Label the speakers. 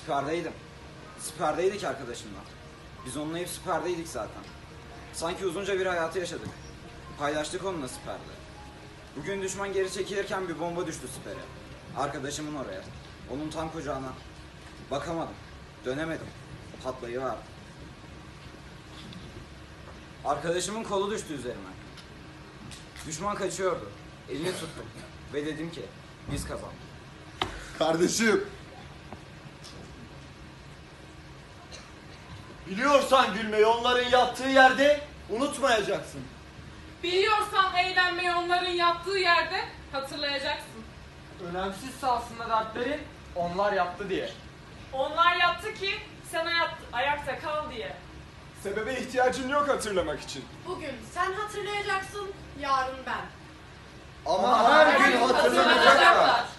Speaker 1: Siperdeydim. Siperdeydik arkadaşımla. Biz onunla hep siperdeydik zaten. Sanki uzunca bir hayatı yaşadık. Paylaştık onunla siperde. Bugün düşman geri çekilirken bir bomba düştü sipere. Arkadaşımın oraya. Onun tam kucağına. Bakamadım. Dönemedim. Patlayıverdi. Arkadaşımın kolu düştü üzerime. Düşman kaçıyordu. Elini tuttum. Ve dedim ki biz kazandık.
Speaker 2: Kardeşim.
Speaker 3: Biliyorsan gülmeyi onların yattığı yerde unutmayacaksın.
Speaker 4: Biliyorsan eğlenmeyi onların yaptığı yerde hatırlayacaksın.
Speaker 5: Önemsizse aslında dertlerin onlar yaptı diye.
Speaker 4: Onlar yaptı ki sen ayakta kal diye.
Speaker 2: Sebebe ihtiyacın yok hatırlamak için.
Speaker 6: Bugün sen hatırlayacaksın, yarın ben.
Speaker 3: Ama her gün hatırlanacaklar.